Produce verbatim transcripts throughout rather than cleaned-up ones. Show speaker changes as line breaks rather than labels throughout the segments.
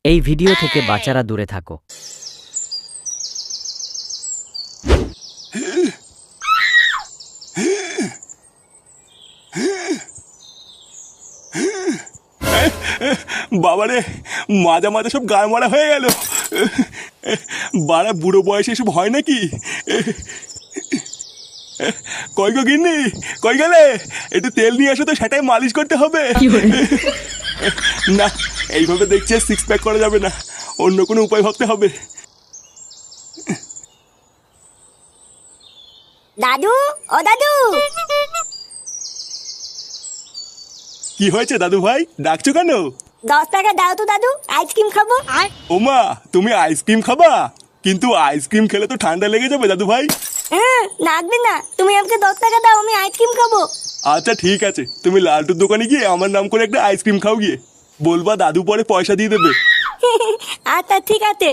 এই ভিডিও থেকে বাচ্চারা দূরে থাকো।
বাবারে, মাজা মাজা সব গায়ে মারা হয়ে গেল। বাড়া বুড়ো বয়সে এসব হয় নাকি? কই গো গিন্নি, কই গেলে? একটু তেল নিয়ে আসো তো, সেটাই মালিশ করতে হবে। না, এইভাবে দেখছি সিক্স প্যাক করা যাবে না, অন্য কোনো উপায় ভাবতে হবে।
দাদু, ও দাদু।
কি হয়েছে দাদু ভাই, ডাকছো কেন?
দশ টাকা দাও তো দাদু, আইসক্রিম খাবো।
ওমা, তুমি আইসক্রিম খাবা? কিন্তু আইসক্রিম খেলে তো ঠান্ডা লেগে যাবে দাদু ভাই।
হ্যাঁ, লাগবে না, তুমি আমাকে দশ টাকা দাও, আমি আইসক্রিম খাবো।
আচ্ছা ঠিক আছে, তুমি লালটুর দোকানে গিয়ে আমার নাম করে একটা আইসক্রিম খাও গিয়ে। বলবা দাদু পরে পয়সা দিয়ে দেবে।
আচ্ছা ঠিক আছে।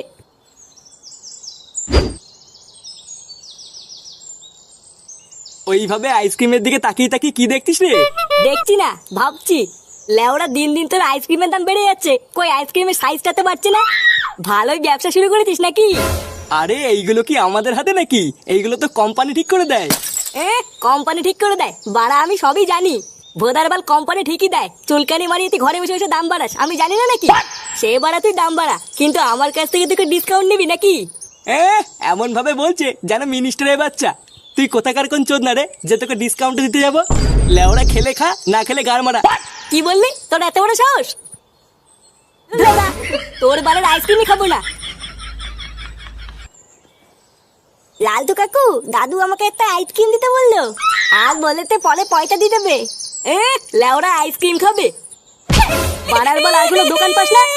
ওইভাবে আইসক্রিমের দিকে তাকিয়ে তাকিয়ে কি দেখছিস রে?
দেখছি না, ভাবছি। লেওরা দিন দিন তোর আইসক্রিমের দাম বেড়ে যাচ্ছে, কই আইসক্রিমের সাইজটাতে পারছে না। ভালোই ব্যবসা শুরু করেছিস নাকি?
আরে এইগুলো কি আমাদের হাতে নাকি? এইগুলো তো কোম্পানি ঠিক করে দেয়।
এ কোম্পানি ঠিক করে দেয়? বাড়া, আমি সবই জানি। ভোদারবাল কোম্পানি ঠিকই দেয়। চুলকানি মারিয়ে তুই ঘরে বসে বসে দাম বাড়াস, আমি জানি না নাকি? সে বাড়া তুই দাম বাড়া, কিন্তু আমার কাছ থেকে তুই ডিসকাউন্ট নিবি নাকি?
এ এমন ভাবে বলছে যেন মিনিস্টারের বাচ্চা। তুই কোথাকার কোন চোদ না রে যে তোকে ডিসকাউন্ট দিতে যাবো? লেওড়া খেলে খা, না খেলে গাড় মারা।
কি বললি? তোর এত বড় সাহস? দাদা, তোর বাড়ির আইসক্রিমই খাবো না। লালটু কাকু, দাদু আমাকে একটা আইসক্রিম দিতে বললো, আর বলেতে পরে পয়সা দিয়ে দেবে। এ লেওরা আইসক্রিম খাবে? পাড়ার বল আর কোনো দোকান পাস না?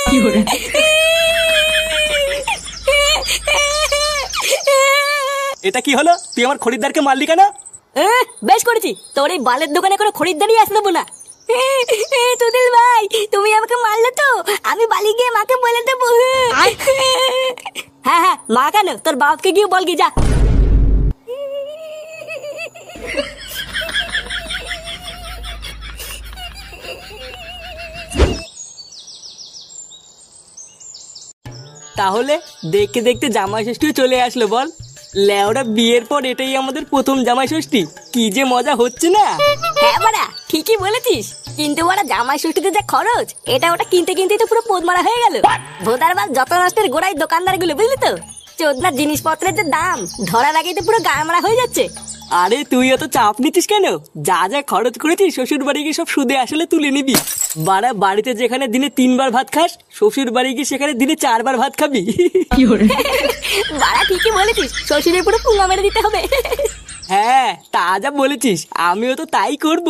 এটা কি হলো? তুই আমার খরিদ্দারকে মারলি কেন?
এ, বেশ করেছি, তোর এই বালের দোকানে কোনো খরিদ্দারই আসতে দেবো না। তুদিল ভাই, তুমি আমাকে মারলে তো, আমি বালি গিয়ে মাকে বলে দেবো। হ্যাঁ হ্যাঁ, মা কেন, তোর বাপকে গিয়ে বল গিয়ে যা।
তাহলে দেখতে দেখতে জামাই ষষ্ঠীও চলে আসলো বল। লেওরা বিয়ের পর এটাই আমাদের প্রথম জামাই ষষ্ঠী, কি যে মজা হচ্ছে না।
হ্যাঁ বাড়া, ঠিকই বলেছিস, কিন্তু বাড়া জামাই ষষ্ঠীতে যা খরচ, এটা ওটা কিনতে কিনতেই তো পুরো পোদ মারা হয়ে গেল। ভোদারবাল যত নষ্টের গোড়ায় দোকানদার গুলো, বুঝলি তো? চোদনার জিনিসপত্রের যে দাম, ধরার আগেই তো পুরো গা মারা হয়ে যাচ্ছে।
আরে তুই এত চাপ নিচ্ছিস কেন? যা যা খরচ করেছিস শ্বশুর বাড়ি গিয়ে সব সুদে আসলে তুলে নিবি। বাড়া, বাড়িতে যেখানে দিনে তিনবার ভাত খাস, শ্বশুর বাড়ি গিয়ে সেখানে দিনে চারবার ভাত খাবি।
বাড়া ঠিকই বলেছিস, শ্বশুরের পুরো পুঙ্গা মেরে দিতে হবে।
হ্যাঁ, তা যা বলেছিস, আমিও তো তাই করব।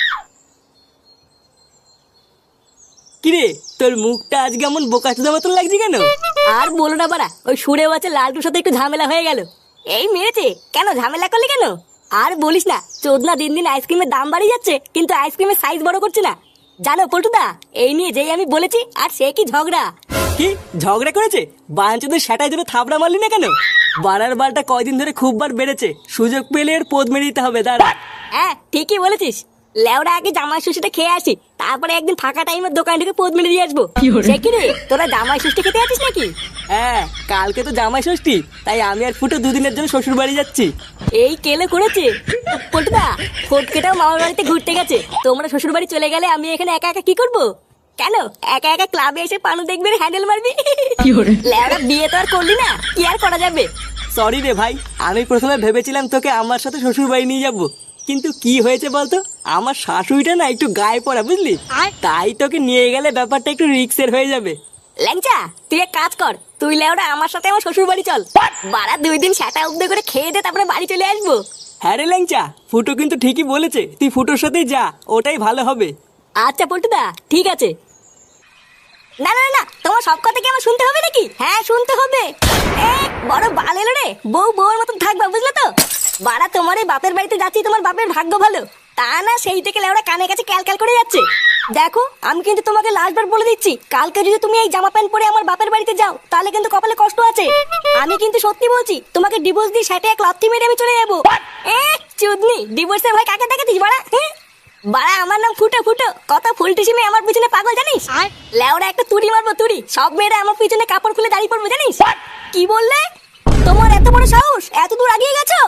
কিরে, তোর মুখটা আজকে এমন বোকাচোদা মতন লাগছে কেন?
আর বলো না বাড়া, ওই সুরে বাচ্চা লালটুর সাথে একটু ঝামেলা হয়ে গেল। এই মেরেছে কেন? ঝামেলা করলি কেন? আর বলিস না, চোদনা দিন দিন আইসক্রিমের দাম বাড়িয়ে যাচ্ছে, কিন্তু আইসক্রিমের সাইজ বড় করছে না। জানো পল্টুদা, এই নিয়ে যেই আমি বলেছি, আর সে কি ঝগড়া।
কি ঝগড়া করেছে? বাঞ্চদের সেটাই ধরে থাবড়া মারলি না কেন? বাড়ার বালটা কয়দিন ধরে খুব বার বেড়েছে, সুযোগ পেলে এর পোদ মেরে দিতে হবে। দাঁড়া।
হ্যাঁ ঠিকই বলেছিস, লেওরা আগে জামাই ষষ্ঠীটা খেয়ে আসি, তারপরে একদিন ফাঁকা টাইমের দোকান থেকে পোদ মেরে দিয়ে আসবো। সে কি রে, তোরা জামাই ষষ্ঠী খেতে আছিস নাকি?
হ্যাঁ, কালকে তো জামাই ষষ্ঠী, তাই আমি আর ফুটো দুদিনের জন্য শ্বশুর বাড়ি যাচ্ছি।
এই কেলে করেছে পল্টুদা, ফটকেটাও মামার বাড়িতে ঘুরতে গেছে, তোমরা শ্বশুর বাড়ি চলে গেলে আমি এখানে একা একা কি করবো? কেন একা একা ক্লাবে এসে পানু দেখবে, হ্যান্ডেল মারবি? লেওরা বিয়ে তো আর করলি না, কি আর করা যাবে।
সরি রে ভাই, আমি প্রথমে ভেবেছিলাম তোকে আমার সাথে শ্বশুর বাড়ি নিয়ে যাবো, কিন্তু কি হয়েছে বলতো, আমার শাশুড়িটা না একটু গায়ে পড়া, বুঝলি? তাই তোকে নিয়ে গেলে ব্যাপারটা একটু রিস্কের হয়ে যাবে।
ল্যাংচা, তুই এক কাজ কর, তুই লেওরা আমার সাথে আমার শ্বশুর বাড়ি চল। বাড়া দুই দিন সেটা উদ্যোগ করে খেয়ে দে, তারপরে বাড়ি চলে আসবো।
হ্যাঁ রে ল্যাংচা, ফুটো কিন্তু ঠিকই বলেছে, তুই ফুটোর সাথেই যা, ওটাই ভালো হবে।
আচ্ছা পল্টুদা, ঠিক আছে। না না না, তোমার সব কথা কি আমার শুনতে হবে নাকি? হ্যাঁ শুনতে হবে। এ বড় বাল এলো রে, বউ বউর মতন থাকবা, বুঝলে তো? বাড়া তোমার এই বাপের বাড়িতে যাচ্ছি, তোমার বাপের ভাগ্য ভালো, তা না সেই থেকে লেওড়া কানে কাছে ক্যাল ক্যাল করে যাচ্ছে। দেখো, আমি কিন্তু তোমাকে লাস্টবার বলে দিচ্ছি, কালকে যদি তুমি এই জামা প্যান্ট পরে আমার বাপের বাড়িতে যাও, তাহলে কিন্তু কপালে কষ্ট আছে। আমি কিন্তু সত্যি বলছি, তোমাকে ডিভোর্স দিয়ে সেটা এক লাথি মেরে আমি চলে যাবো। এ চুদনি, ডিভোর্সের ভয় কাকে দেখাতিস বাড়া? বাড়া আমার নাম ফুটো ফুটো, কত ফুলটিসি মেয়ে আমার পিছনে পাগল জানিস? লেওরা একটা তুড়ি মারবো তুড়ি, সব মেয়েরা আমার পিছনে কাপড় খুলে দাঁড়িয়ে পড়বে জানিস? কি বললে? তোমার এত বড় সাহস, এত দূর আগিয়ে গেছো?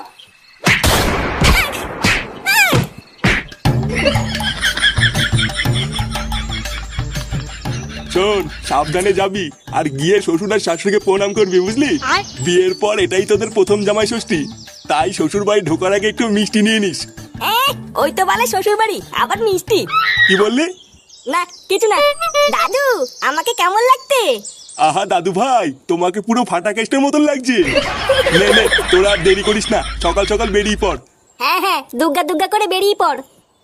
শোন, সাবধানে যাবি আর গিয়ে শ্বশুর আর শাশুড়িকে প্রণাম করবি, বুঝলি? বিয়ের পর এটাই তোদের প্রথম জামাই ষষ্ঠী, তাই শ্বশুর বাড়ি ঢোকার আগে একটু মিষ্টি নিয়ে নিস।
এ, ওই তো বলে শ্বশুর বাড়ি, আবার মিষ্টি?
কি বললি?
না কিছু না। দাদু আমাকে কেমন লাগতে?
আহা দাদু ভাই, তোমাকে পুরো ফাটা কেস্টের মতন লাগছে। নে নে, তোরা আর দেরি করিস না, সকাল সকাল বেরিয়ে পড়।
হ্যাঁ হ্যাঁ, দুগ্গা দুগ্গা করে বেরিয়ে পড়।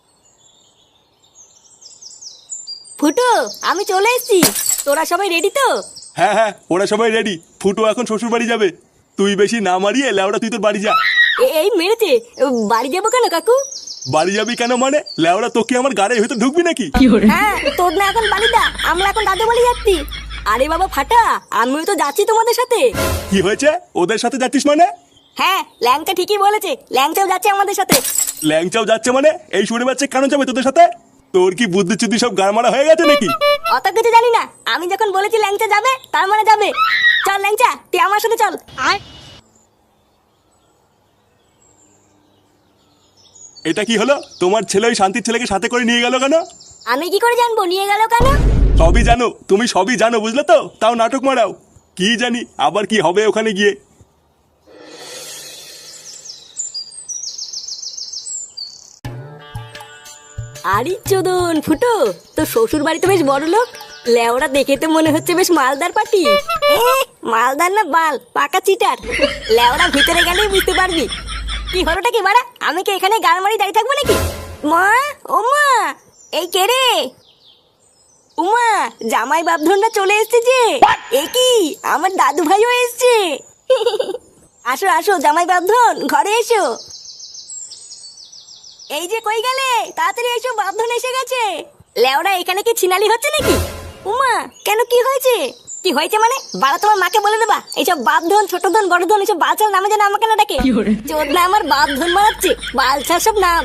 ফুটো, আমি চলে এসেছি, তোরা সবাই রেডি তো?
হ্যাঁ হ্যাঁ, ওরা সবাই রেডি। ফুটো এখন শ্বশুর বাড়ি যাবে, তুই বেশি না মারিয়ে লেওড়া তুই তোর বাড়ি যা।
এ- এই মেরেছে, বাড়ি যাবো কেন কাকু?
বাড়ি যাবি কেন মানে? লেওড়া তোকে আমার গাড়ির ভিতর ঢুকবি নাকি?
হ্যাঁ, তোর না এখন বাড়িদা, আমরা এখন দাদু বাড়ি যাচ্ছি। আরে বাবা ফাটা, আমিও তো যাচ্ছি তোমাদের সাথে।
কি হয়েছে? ওদের সাথে যাচ্ছিস মানে?
হ্যাঁ, ল্যাংচা ঠিকই বলেছে, ল্যাংচাও যাচ্ছে আমাদের সাথে।
ল্যাংচাও যাচ্ছে মানে? এই শুনে বাচ্চা কেন যাবে তোদের সাথে? তোর কি বুদ্ধি চুদ্ধি সব গাড়মারা হয়ে গেছে নাকি?
অত কিছু জানি না, আমি যখন বলেছি ল্যাংচা যাবে তার মানে যাবে। চল ল্যাংচা, তুই আমার সাথে চল। আয়।
এটা কি হলো? তোমার ছেলে ওই শান্তির ছেলেকে সাথে করে নিয়ে গেল কেন?
আমি কি করে জানবো নিয়ে গেল কেন?
সবই জানো, তুমি সবই জানো, বুঝলে তো? তাও নাটক মারাও। কি জানি আবার কি হবে ওখানে গিয়ে।
আরে চোদন ফুটো, তো শ্বশুর বাড়ি তো বেশ বড় লোক, লেওরা দেখে তো মনে হচ্ছে বেশ মালদার পাটি। এ, মালদার না বাল, পাকা চিটার। লেওরা ভিতরে গেলেই বুঝতে পারবি। কি হলোটা কি বাড়া? আমি কি এখানে গাল মারি দাঁড়িয়ে থাকবো নাকি? মা, ও মা, এই কে রে? উমা, জামাই বাপধনরা চলে এসেছে যে। এ কি, আমার দাদু ভাইও এসেছে। আসো আসো জামাই বাপধন, ঘরে এসো। এই যে কই গেলে, তাড়াতাড়ি এসো, বাপধন এসে গেছে। লেওরা এখানে কি ছিনালি হচ্ছে নাকি? উমা, কেন কি হয়েছে? কি হয়েছে মানে? বাড়া তোমার মাকে বলে দেবা এইসব বাপধন ছোট ধন বড় ধন এইসব বালছার নামে যেন আমাকে না ডাকে। চোদ না আমার বাপধন মারাচ্ছে, বালছার সব নাম।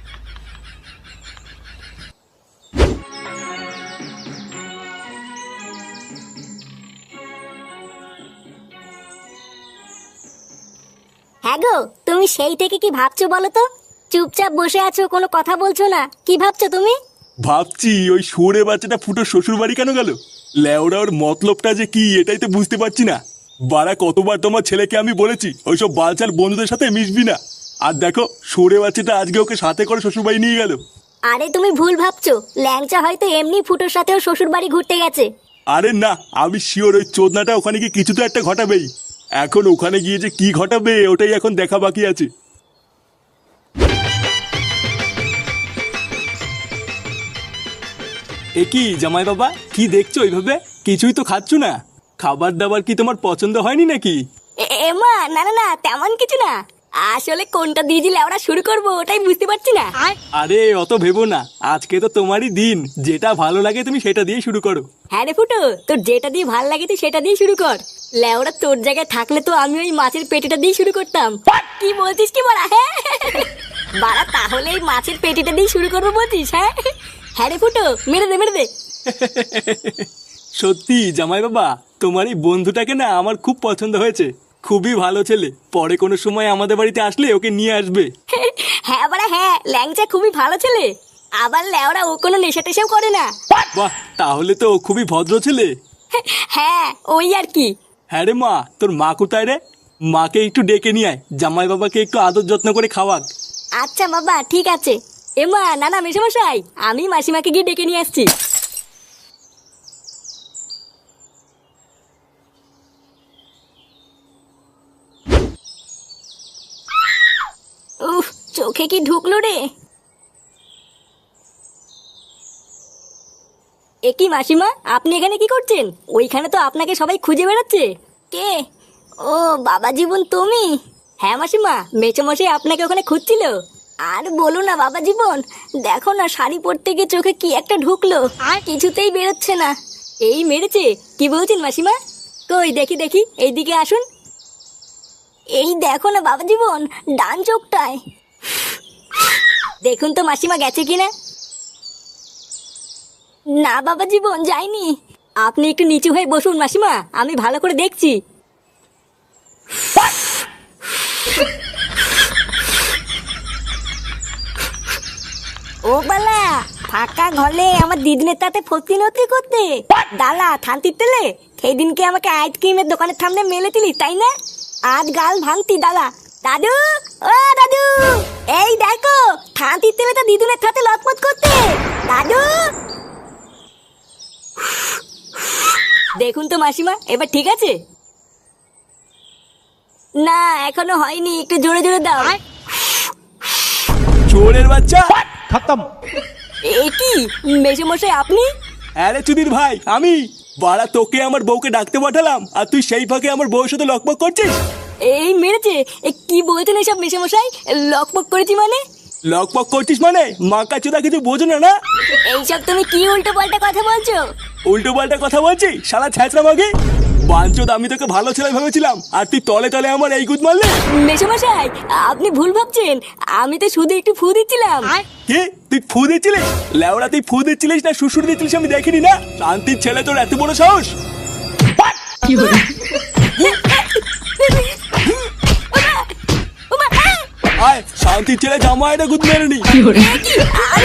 হ্যাঁ গো, তুমি সেই থেকে কি ভাবছো বলো তো? চুপচাপ বসে আছো, কোনো কথা বলছো না, কি ভাবছো তুমি?
ভাবছি ওই সুরে বাচ্চাটা ফুটো শ্বশুর বাড়ি কেন গেল? লেওড়া ওর মতলবটা যে কি এটাই তো বুঝতে পারছি না। বাড়া কতবার তোমার ছেলেকে আমি বলেছি ওইসব বালচাল বন্ধুদের সাথে মিশবি না, আর দেখো সুরে বাচ্চাটা আজকে ওকে সাথে করে শ্বশুর বাড়ি নিয়ে গেল।
আরে তুমি ভুল ভাবছো, ল্যাংচা হয়তো এমনি ফুটোর সাথেও শ্বশুর বাড়ি ঘুরতে গেছে।
আরে না, আমি শিওর ওই চোদনাটা ওখানে গিয়ে কিছু তো একটা ঘটাবেই। এখন ওখানে গিয়ে যে কি ঘটাবে ওটাই এখন দেখা বাকি আছে। এ কি জামাই বাবা, কি দেখছো ওইভাবে? কিছুই তো খাচ্ছ না। খাবার দাবার কি তোমার পছন্দ হয়নি নাকি?
এ- এমা, না না না, তেমন কিছু না। আসলে কোনটা দিয়ে দিলে আমরা শুরু করবো ওটাই বুঝতে পারছি না।
আরে অত ভেবো না, আজকে তো তোমারই দিন, যেটা ভালো লাগে তুমি সেটা দিয়ে শুরু করো।
হ্যাঁ রে ফুটো, তোর যেটা দিয়ে ভাল লাগে তুই সেটা দিয়ে শুরু কর। লেওরা তোর জায়গায় থাকলে তো আমি ওই মাছের পেটিটা দিয়ে শুরু করতাম। কি বলছিস কি বলা? হ্যাঁ বাড়া, তাহলে এই মাছের পেটিটা দিয়ে শুরু করবো বলছিস? হ্যাঁ হ্যাঁ রে ফুটো, মেরে দে মেরে দে।
সত্যি জামাই বাবা, তোমার এই বন্ধুটাকে না আমার খুব পছন্দ হয়েছে, খুবই ভালো ছেলে। পরে কোনো সময় আমাদের বাড়িতে আসলে ওকে নিয়ে আসবে।
হ্যাঁ বাড়া হ্যাঁ, ল্যাংচা খুবই ভালো ছেলে। আবার লেওরা ও কোনো নেশা টেশাও করে না।
বাহ, তাহলে তো ও খুবই ভদ্র ছেলে।
হ্যাঁ ওই আর কি।
হ্যাঁ রে মা, তোর মা কোথায় রে? মাকে একটু ডেকে নিয়ে আয়, জামাই বাবাকে একটু আদর যত্ন করে খাওয়াক।
আচ্ছা বাবা ঠিক আছে। এমা, না না মেশামশাই, আমি মাসিমাকে গিয়ে ডেকে নিয়ে আসছি। উফ, চোখে কি ঢুকলো রে? এ কি মাসিমা, আপনি এখানে কি করছেন? ওইখানে তো আপনাকে সবাই খুঁজে বেড়াচ্ছে। কে? ও বাবা জীবন, তুমি? হ্যাঁ মাসিমা, মেচোমশাই আপনাকে ওখানে খুঁজছিল। আর বলো না বাবা জীবন, দেখো না শাড়ি পরতে গিয়ে চোখে কি একটা ঢুকলো, আর কিছুতেই বেরোচ্ছে না। এই মেরেছে? কি বলছেন মাসিমা? কই দেখি দেখি, এইদিকে আসুন। এই দেখো না বাবা জীবন, ডান চোখটায়। দেখুন তো মাসিমা গেছে কিনা। না বাবা জীবন যাইনি। আপনি একটু নিচু হয়ে বসুন মাসিমা, আমি ভালো করে দেখছি। ও বালা, ফাঁকা ঘরে আমার দিদিনের তাতে ফতি নতি করতে দালা থানতি তেলে সেই দিনকে আমাকে আইসক্রিমের দোকানের সামনে মেলেছিলি তাই না? আজ গাল ভাঙতি দালা। দাদু, ও দাদু, এই দেখো থানতি তেলে তো দিদুনের সাথে লটপট করতে। দাদু, দেখুন তো মাসিমা, এবার ঠিক আছে? না এখনো হয়নি, একটু জোরে জোরে দাও।
চোরের বাচ্চা!
এ কি মেসোমশাই আপনি?
আরে চুদির ভাই, আমি। বাড়া তোকে আমার বউকে ডাকতে পাঠালাম আর তুই সেই ফাঁকে আমার বউয়ের সাথে লকপক করছিস।
এই মেরেছে? এ কি বলছেন এসব মেসোমশাই? লকপক করেছি মানে?
লকপক করছিস মানে? মাকা চোদা কিছু বোঝো না না?
এইসব তুমি কি উল্টো পাল্টা কথা বলছো?
উল্টো পাল্টা কথা বলছি শালা ছ্যাঁচড়া মাগে। বাঞ্চোদ, আমি তোকে ভালো ছেলে ভেবেছিলাম আর তুই তলে তলে আমার এই গুদ মারলে।
মেসোমশাই আপনি ভুল ভাবছেন, আমি তো শুধু একটু ফু দিচ্ছিলাম।
কি তুই ফু দিচ্ছিলিস? লেওড়া তুই ফু দিচ্ছিলিস না শ্বশুর দিচ্ছিলিস আমি দেখিনি না? শান্তির ছেলে তোর এত বড় সাহস! আয় শান্তির ছেলে জামা এটা গুদ মেরে নি।